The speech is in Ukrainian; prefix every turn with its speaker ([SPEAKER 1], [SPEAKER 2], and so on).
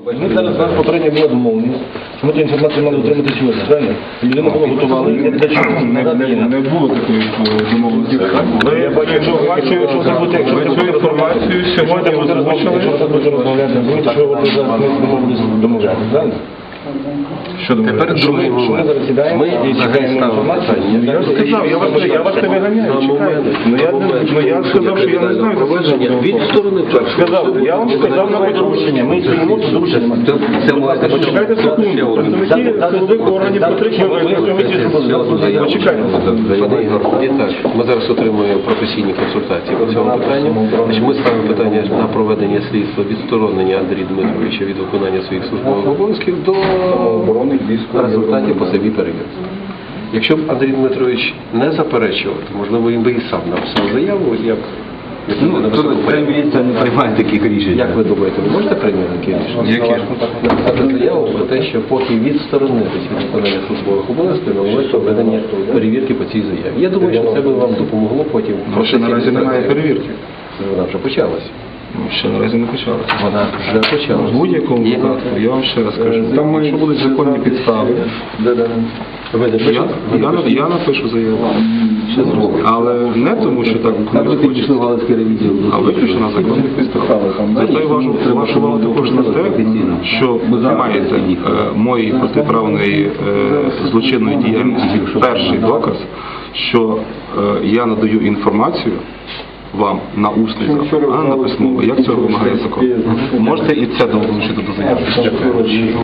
[SPEAKER 1] Ми зараз у нас попередньо була домовленість, що ми цю інформацію мали отримати сьогодні, правильно? Людина була готова, і для чого?
[SPEAKER 2] Не було такої домовленості.
[SPEAKER 1] Я бачу, якщо це буде,
[SPEAKER 2] Ви цю інформацію сьогодні озвучили?
[SPEAKER 1] Якщо це буде розмовляти, розумієте, що ви зараз не домовляти, правильно?
[SPEAKER 3] Тепер другий момент. Ми взагалі ставимо
[SPEAKER 2] Я сказав, я вас не виганяю, чекайте. Я сказав, що я не знаю,
[SPEAKER 3] від сторони
[SPEAKER 2] сказав, я вам сказав на
[SPEAKER 1] Доручення, ми стоїмо, то доручення.
[SPEAKER 3] Це можете
[SPEAKER 2] Почекайте секунду. Представники силових органів потрібно Почекайте.
[SPEAKER 3] Пане Ігор, і так, ми зараз отримуємо професійні консультації по цьому питанню. Ми ставимо питання на проведення слідства відсторонення Андрія Дмитровича від виконання своїх службових обов'язків до результатів по собі перевірки. Якщо б Андрій Дмитрович не заперечував, то, можливо, він би і сам написав заяву, як
[SPEAKER 4] Міліція не приймає таких рішень.
[SPEAKER 3] Як ви думаєте, ви можете прийняти таке рішення? Написати заяву про те, що поки відсторонитись від виконання службових обов'язків, належить проведення перевірки по цій заяві. Я думаю, що це би вам допомогло потім.
[SPEAKER 2] Ще наразі немає перевірки.
[SPEAKER 3] Вона вже почалася.
[SPEAKER 2] Ще наразі не почалося.
[SPEAKER 3] Вона вже почалася.
[SPEAKER 2] В будь-якому випадку, я вам ще раз кажу, там якщо будуть законні підстави, я напишу заяву. Але не тому, що так хочеться, а виключно на законних підставах. Звертаю вашу увагу також на те, що ви маєте моєї протиправної злочинної діяльності перший доказ, що я надаю інформацію вам на усний запит, а не на письмовий, як цього вимагає закон. Можете і це долучити до заяви. Дякую.